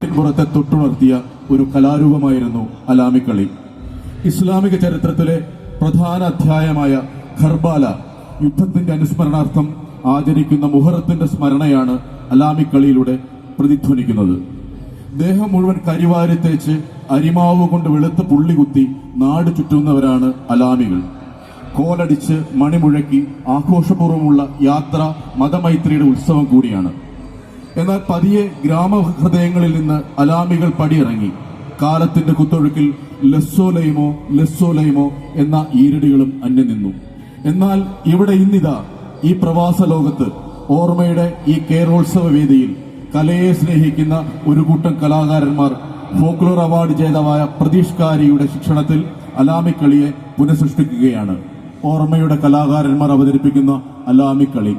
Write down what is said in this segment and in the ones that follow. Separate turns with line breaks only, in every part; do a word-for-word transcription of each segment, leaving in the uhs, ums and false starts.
പുറത്തെ തൊട്ടുണർത്തിയ ഒരു കലാരൂപമായിരുന്നു അലാമിക്കളി. ഇസ്ലാമിക ചരിത്രത്തിലെ പ്രധാന അധ്യായമായ ഖർബാല യുദ്ധത്തിന്റെ അനുസ്മരണാർത്ഥം ആചരിക്കുന്ന മുഹറത്തിന്റെ സ്മരണയാണ് അലാമിക്കളിയിലൂടെ പ്രതിധ്വനിക്കുന്നത്. ദേഹം മുഴുവൻ കരിവാരി തേച്ച് അരിമാവ് കൊണ്ട് വെളുത്ത് പുള്ളികുത്തി നാട് ചുറ്റുന്നവരാണ് അലാമികൾ. കോലടിച്ച് മണിമുഴക്കി ആഘോഷപൂർവ്വമുള്ള യാത്ര മതമൈത്രിയുടെ ഉത്സവം കൂടിയാണ്. എന്നാൽ പതിയെ ഗ്രാമഹൃദയങ്ങളിൽ നിന്ന് അലാമികൾ പടിയിറങ്ങി കാലത്തിന്റെ കുത്തൊഴുക്കിൽ ലസ്സോലൈമോ ലസ്സോലൈമോ എന്ന ഈരടികളും അന്യം നിന്നു. എന്നാൽ ഇവിടെ ഇന്നിതാ ഈ പ്രവാസ ലോകത്ത് ഓർമ്മയുടെ ഈ കേരളോത്സവ വേദിയിൽ കലയെ സ്നേഹിക്കുന്ന ഒരു കൂട്ടം കലാകാരന്മാർ ഫോക്ലോർ അവാർഡ് ജേതാവായ പ്രതീഷ് കാരിയുടെ ശിക്ഷണത്തിൽ അലാമിക്കളിയെ പുനഃസൃഷ്ടിക്കുകയാണ്. ഓർമ്മയുടെ കലാകാരന്മാർ അവതരിപ്പിക്കുന്ന അലാമിക്കളി.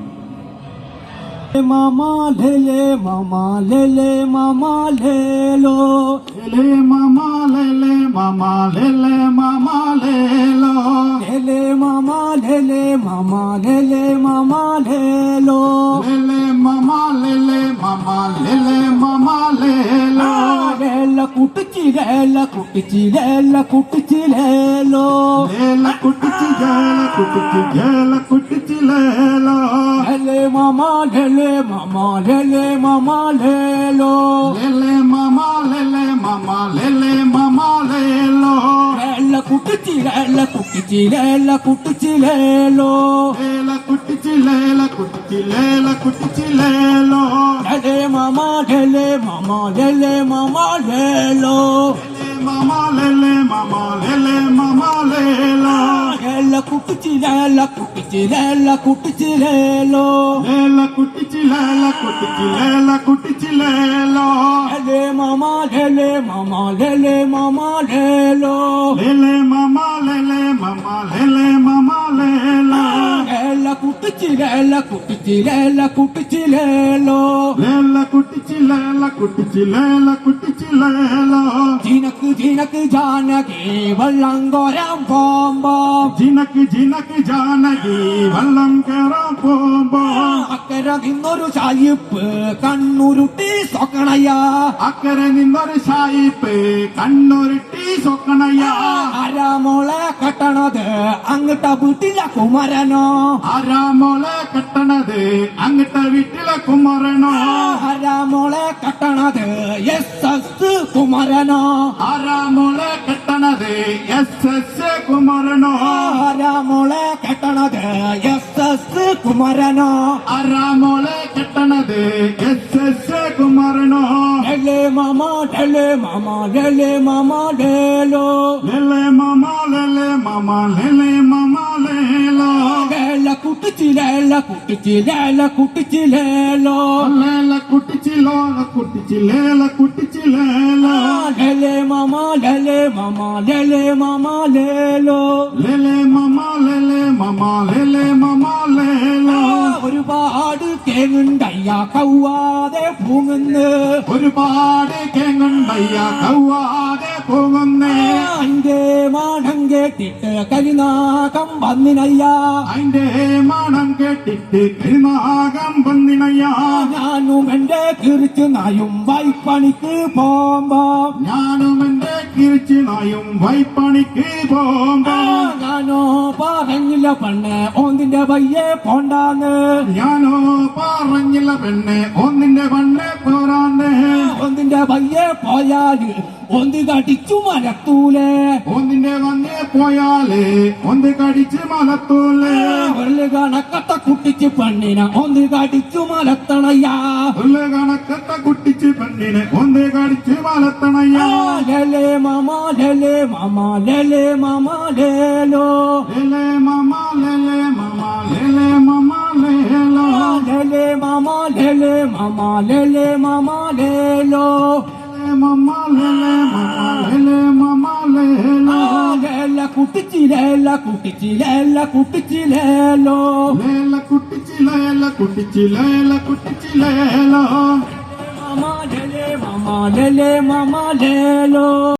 मामा ले ले मामा ले ले मामा ले लो
ले मामा ले ले मामा ले ले मामा ले लो
ले ले मामा ले ले मामा ले ले मामा ले लो
ले ले मामा ले ले मामा ले ले मामा ले लो
लेला कुटची लेला कुटची लेला कुटची ले लो
लेला कुटची लेला कुटची लेला कुटची ले लो
ले मामा ले ले मामा ले ले मामा ले लो
ले ले मामा ले ले मामा ले ले मामा ले लो
लेला कुटची लेला कुटची लेला कुटची ले लो
लेला कुटची लेला कुटची लेला कुटची ले लो
ले मामा ले ले मामा ले ले मामा ले लो
मामा ले ले मामा ले ले मामा ले लो
लेला कुटची लेला कुटची लेला कुटची ले लो
लेला कुटची लेला कुटची लेला कुटची ले लो
ले मामा ले ले मामा ले ले मामा ले लो
ले ले मामा ले ले मामा ले ले मामा ले लो
लेला कुटची लेला कुटची लेला कुटची ले लो
लेला कुटची लेला कुटची लेला कुटची ले लो
जिनक जिनक जानकी वल्लंगोराम बोंबो
ജിനക്ക് ജിനക്ക് ജാനകി വള്ളം കേറാൻ പോകുമ്പോ
അക്കരെ നിന്നൊരു ചായിപ്പ് കണ്ണുരുട്ടി സൊക്കണയ്യ
അക്കരെ നിന്നൊരു സായിപ്പ് കണ്ണുരുട്ടി സൊക്കണയ്യ
ആരാമോളെ കെട്ടണത് അങ്ങട്ട വീട്ടിലെ കുമരനോ
ആരാമോളെ കെട്ടണത് അങ്ങട്ട വീട്ടിലെ കുമരനോ
ആരാമോളെ കെട്ടണത് എസ് എസ് കുമരനോ
ആരാമോളെ കെട്ടണത് എസ് എസ് കുമരനോ
ആരാമോളെ കെട്ടണത് എസ് എസ് കുമരനോ
ആരാമോളെ കെട്ടണത് എസ് എസ് കുമരനോ
ലെലെ മാമ ലെലെ മാമ ലെലെ മാമ ലേലോ
ലെലെ മാമ ലെലെ മാമ ലെലെ മാമ ലേലോ
ലേല കുട്ടിച്ചി ലേല കുട്ടിച്ചി ലേല കുട്ടിച്ചി ലേലോ
ലേല കുട്ടിച്ചി ലോല കുട്ടിച്ചി ലേല കുട്ടിച്ചി ലേലോ
ലെലെ മാമ ലെലെ മാമ ലെലെ മാമ ലേലോ
ലെലെ മാമ ലെലെ മാമ ലെലെ മാമ ലേലോ
ഒരുപാട് കേങ്ങുണ്ടയ്യ കൗവാതെ പൂങ്ങുന്ന്
ഒരുപാട് കേങ്ങുണ്ടയ്യ കൗവാതെ പോകുന്നേ
അന്റെ മാനം കേട്ടിട്ട് കരിനാകം വന്നിനയ്യ
അതിന്റെ മണം കേട്ടിട്ട് കരിനാകം വന്നിനയ്യ
ഞാനും എന്റെ കിറിച്ചു നായും വൈപ്പണിക്ക് പോമ്പോ
ഞാനും എന്റെ കിരിച്ചു നായും വൈപ്പണിക്ക് പോകുമ്പോ
ഞാനോ പറഞ്ഞില്ല പെണ്ണ് ഒന്നിന്റെ വയ്യേ പോണ്ടാന്ന്
ഞാനോ പറഞ്ഞില്ല പെണ്ണെ ഒന്നിന്റെ പെണ്ണെ പോരാന്ന്
ഒന്നിന്റെ വയ്യേ പോയാല് ഒന്ന് കടിച്ചു മലത്തൂലേ
ഒന്നിന്റെ വന്നേ പോയാല് ഒന്ന് കടിച്ച് മലത്തൂലേ
ഒരു കണക്കത്ത കുട്ടിച്ച് പെണ്ണിനെ ഒന്ന് കടിച്ചു മലത്തണയ്യാ
ഉള്ള കണക്കത്ത കുട്ടിച്ച് പെണ്ണിനെ ഒന്ന് കടിച്ച് മലത്തണയ്യാ
ലെലെ മാമ ലെലെ മാമ ലെലെ മാമ ലേലോ
ലെലെ മാമ ലെലെ മാമ ലെലെ മാമ ലേലോ
ലെലെ മാമ ലെലെ മാമ ലെലെ മാമ ലേലോ
മാമ ലെലെ മാമ ലെലെ മാമ ലേലോ
ലേല കുട്ടിച്ചി ലേല കുട്ടിച്ചി ലേല കുട്ടിച്ചി ലേലോ
ലേല കുട്ടിച്ചി ലേല കുട്ടിച്ചി ലേല കുട്ടിച്ചി ലേലോ
മാമ ലെലെ മാമ ലെലെ മാമ ലേലോ